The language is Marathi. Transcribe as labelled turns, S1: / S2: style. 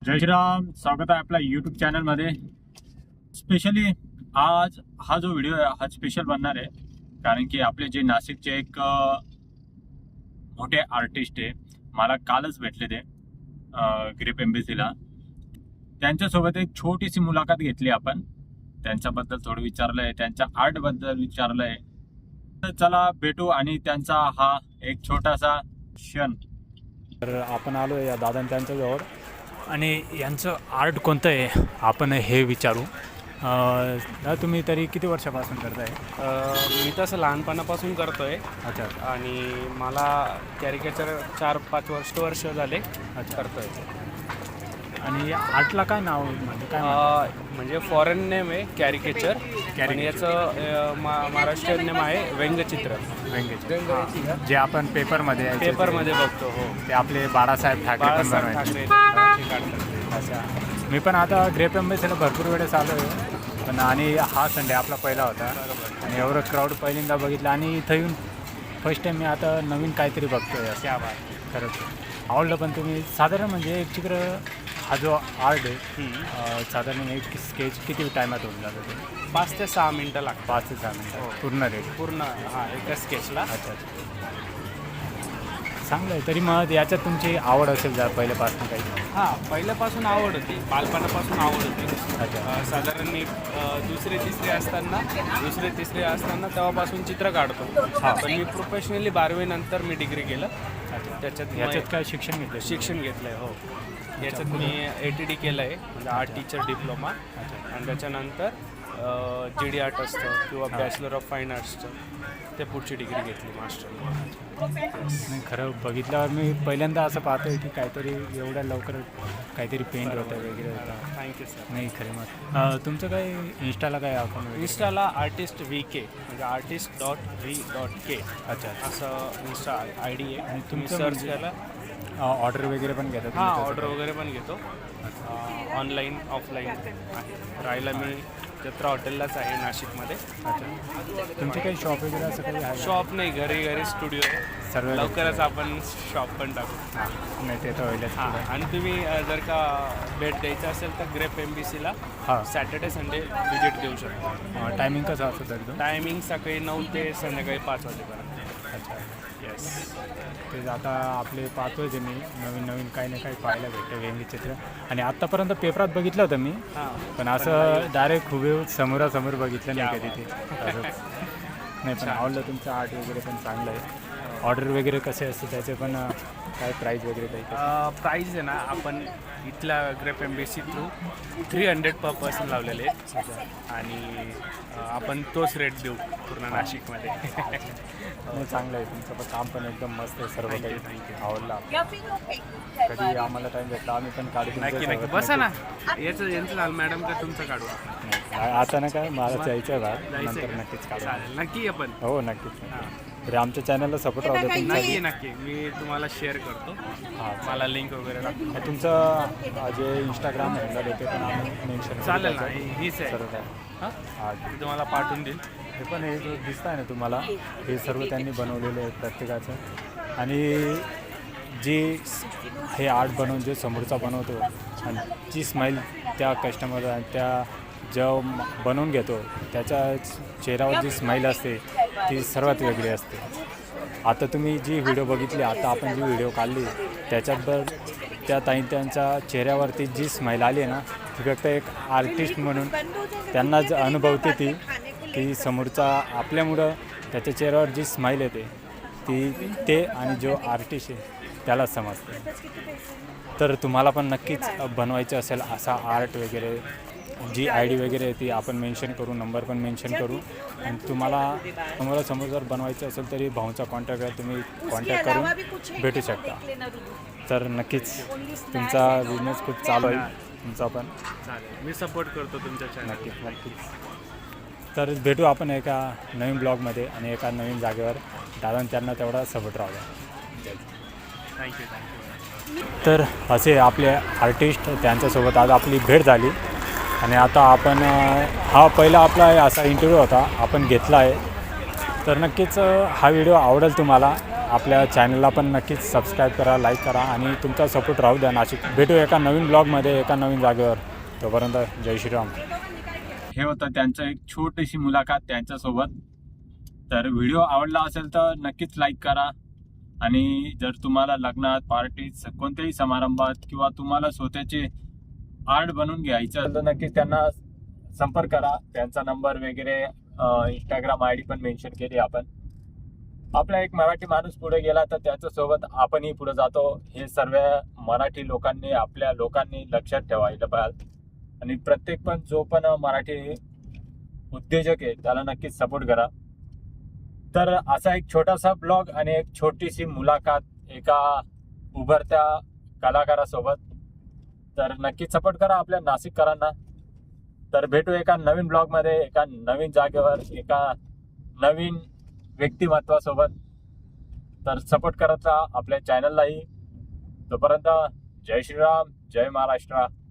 S1: जय श्रीराम. स्वागत आहे आपल्या यूट्यूब चॅनलमध्ये. स्पेशली आज हा जो व्हिडिओ आहे हा स्पेशल बनणार आहे, कारण की आपले जे नाशिकचे एक मोठे आर्टिस्ट आहे, मला कालच भेटले ते ग्रेप एम्बेसीला. त्यांच्यासोबत एक छोटीशी मुलाखत घेतली आपण. त्यांच्याबद्दल थोडं विचारलं आहे, त्यांच्या आर्टबद्दल विचारलं आहे. तर चला भेटू आणि त्यांचा हा एक छोटासा क्षण. तर आपण आलो या दादा त्यांच्याजवळ आणि यांचं आर्ट कोणतं आहे आपण हे विचारू. तुम्ही तरी किती वर्षापासून करताय?
S2: मी तसं लहानपणापासून करतो आहे.
S1: अच्छा.
S2: आणि मला कॅरिकेचर 4-5 वर्ष झाले करतो आहे.
S1: आणि आर्टला काय नाव म्हणजे काय
S2: म्हणजे फॉरेन नेम आहे कॅरिकेचर आणि याचं महाराष्ट्रीयन नेम आहे व्यंगचित्र.
S1: व्यंग्य जे आपण पेपरमध्ये
S2: बघतो. हो,
S1: ते आपले बाळासाहेब ठाकरे
S2: ठाकरे काढतात.
S1: अच्छा. मी पण आता ग्रेप एम्बेसीला भरपूर वेळेस आलो आहे पण, आणि हा संडे आपला पहिला होता आणि एवढं क्राऊड पहिल्यांदा बघितलं आणि इथं येऊन फर्स्ट टाईम मी आता नवीन काहीतरी बघतोय.
S2: त्या बात
S1: खरंच आवडलं. पण तुम्ही साधारण म्हणजे एक चित्र हा जो आर्ट आहे साधारण एक स्केच किती टायमात होऊन जातं? ते
S2: 5 ते 6 मिनटं लागतात.
S1: 5 ते 6 मिनटं पूर्ण रेट
S2: पूर्ण एका स्केचला.
S1: अच्छा. चांगलं आहे. तरी मग याच्यात तुमची आवड असेल जर पहिल्यापासून काही?
S2: पहिल्यापासून आवड होती, बालपणापासून आवड होती.
S1: अच्छा.
S2: साधारण मी दुसरे तिसरे असताना तेव्हापासून चित्र काढतो. पण मी प्रोफेशनली 12वी नंतर मी डिग्री केलं.
S1: याच्यात काय शिक्षण घेतलं?
S2: शिक्षण घेतलं आहे. हो, याच्यात मी ATD केलं आहे, म्हणजे आर्ट टीचर डिप्लोमा. आणि त्याच्यानंतर GD आर्ट असतं किंवा बॅचलर ऑफ फाईन आर्ट्सचं ते पुढची डिग्री घेतली मास्टर.
S1: नाही, खरं बघितल्यावर मी पहिल्यांदा असं पाहतोय की काहीतरी एवढ्या लवकर काहीतरी पेंट होतं वगैरे होतं.
S2: Thank you sir.
S1: नाही खरं मग तुमचं काय इंस्टाला काय अकाउंट?
S2: इंस्टाला आर्टिस्ट VK म्हणजे artist.v.k.
S1: अच्छा.
S2: असं इंस्टा ID आहे.
S1: आणि
S2: तुम्ही
S1: तुमचं
S2: सर्च केला.
S1: ऑर्डर वगैरे पण घेतात?
S2: ऑर्डर वगैरे पण घेतो. ऑनलाईन ऑफलाईन आहे. राहायला मी जत्रा हॉटेललाच आहे नाशिकमध्ये.
S1: अच्छा. तुमचे काही शॉप वगैरे असं काही आहे?
S2: शॉप नाही, घरी स्टुडिओ आहे.
S1: सर्व
S2: लवकरच आपण शॉप पण टाकू.
S1: नाही ते तर होईलच.
S2: आणि तुम्ही जर का भेट द्यायचं असेल तर ग्रेप एम्बेसीला सॅटर्डे संडे विजिट देऊ शकतो.
S1: टायमिंग कसं असतं तरी?
S2: टायमिंग सकाळी 9 ते संध्याकाळी 5 वाजेपर्यंत.
S1: अच्छा.
S2: येस.
S1: ते आता आपले पाहतोय ते मी नवीन काही ना काही पाहायला भेटतं व्यंगचित्र. आणि आत्तापर्यंत पेपरात बघितलं होतं मी, पण असं डायरेक्ट हुबेहूब समोरासमोर बघितलं नाही कधी ते. असंच नाही, पण आवडलं तुमचं आर्ट वगैरे पण चांगलं आहे. ऑर्डर वगैरे कसे असते त्याचे पण काय प्राईज वगैरे काही?
S2: प्राईज आहे ना, आपण इथल्या grape embassy through 300 per person लावलेले आहेत. आणि आपण तोच रेट देऊ पूर्ण नाशिकमध्ये.
S1: नाही, चांगलं आहे तुमचं पण काम पण एकदम मस्त आहे. सर्व काही आवडलं. कधी आम्हाला टाईम भेटला आम्ही पण काढू.
S2: नक्की बसा ना. यांचं झालं मॅडम का तुमचं काढू?
S1: आता ना काय मला जायचं आहे बाहेर, नंतर नक्कीच काढू.
S2: नक्की आपण.
S1: हो नक्कीच. तरी आमच्या चॅनलला सपोर्ट राहू द्या.
S2: नक्की मी तुम्हाला शेअर करतो. मला लिंक वगैरे टाकतो.
S1: तुमचं जे इंस्टाग्राम हँडल आहे ते पण आम्ही मेन्शन
S2: चालेल ना. हीच आहे.
S1: सर्व काय
S2: मी तुम्हाला पाठवून देईल.
S1: हे पण हे जो दिसत आहे ना तुम्हाला, हे सर्व त्यांनी बनवलेलं आहे प्रत्येकाचं. आणि जी हे आर्ट बनवून जो समोरचा बनवतो आणि जी स्माईल त्या कस्टमर त्या जो बनवून घेतो त्याच्या चेहऱ्यावर जी स्माईल असते ती सर्वात वेगळी असते. आता तुम्ही जी व्हिडिओ बघितली, आता आपण जी व्हिडिओ काढली त्याच्याबद्दल त्या त्यांच्या चेहऱ्यावरती जी स्माईल आली आहे ना, ती फक्त एक आर्टिस्ट म्हणून त्यांना ज अनुभवते ती की समोरचा आपल्यामुळं त्याच्या चेहऱ्यावर जी स्माईल येते ती ते आणि जो आर्टिस्ट आहे त्यालाच समजते. तर तुम्हाला पण नक्कीच बनवायचं असेल असा आर्ट वगैरे, जी ID वगैरे आहे ती आपण मेन्शन करू, नंबर पण मेन्शन करू. आणि तुम्हाला समोर जर बनवायचं असेल तरी भाऊचा कॉन्टॅक्टवर तुम्ही कॉन्टॅक्ट करून भेटू शकता. तर नक्कीच तुमचा बिझनेस खूप चालू आहे तुमचा पण.
S2: चालेल, मी सपोर्ट करतो तुमच्या चॅनल.
S1: नक्कीच. तर भेटू आपण एका नवीन ब्लॉगमध्ये आणि एका नवीन जागेवर. दादा त्यांना तेवढा सपोर्ट राहू द्या.
S2: थँक्यू.
S1: तर असे आपले आर्टिस्ट त्यांच्यासोबत आज आपली भेट झाली. आणि आता आपण हा पहिला आपला असा इंटरव्ह्यू होता आपण घेतला आहे. तर नक्कीच हा व्हिडिओ आवडेल तुम्हाला. आपल्या चॅनलला पण नक्कीच सबस्क्राईब करा, लाईक करा आणि तुमचा सपोर्ट राहू द्या नाशिक. भेटू एका नवीन ब्लॉगमध्ये एका नवीन जागेवर. तोपर्यंत जय श्रीराम. हे होतं त्यांचं एक छोटीशी मुलाखत त्यांच्यासोबत. तर व्हिडिओ आवडला असेल तर नक्कीच लाईक करा आणि जर तुम्हाला लग्नात, पार्टीत, कोणत्याही समारंभात किंवा तुम्हाला स्वतःचे आर्ट बनवून घ्यायचं तर नक्कीच त्यांना संपर्क करा. त्यांचा नंबर वगैरे इंस्टाग्राम ID पण मेन्शन केली आपण. आपला एक मराठी माणूस पुढे गेला तर त्याच्यासोबत आपणही पुढे जातो. हे सर्व मराठी लोकांनी, आपल्या लोकांनी लक्षात ठेवायला पाहिजे आणि प्रत्येक पण जो पण मराठी उद्योजक आहे त्याला नक्कीच सपोर्ट करा. तर असा एक छोटासा ब्लॉग आणि एक छोटीशी मुलाखत एका उभरत्या कलाकारासोबत. तर नक्कीच सपोर्ट करा आपल्या नाशिककरांना. तर भेटू एका नवीन ब्लॉगमध्ये, एका नवीन जागेवर, एका नवीन व्यक्तिमत्वासोबत. तर सपोर्ट करत राहा आपल्या चॅनललाही. तोपर्यंत जय श्रीराम, जय महाराष्ट्र.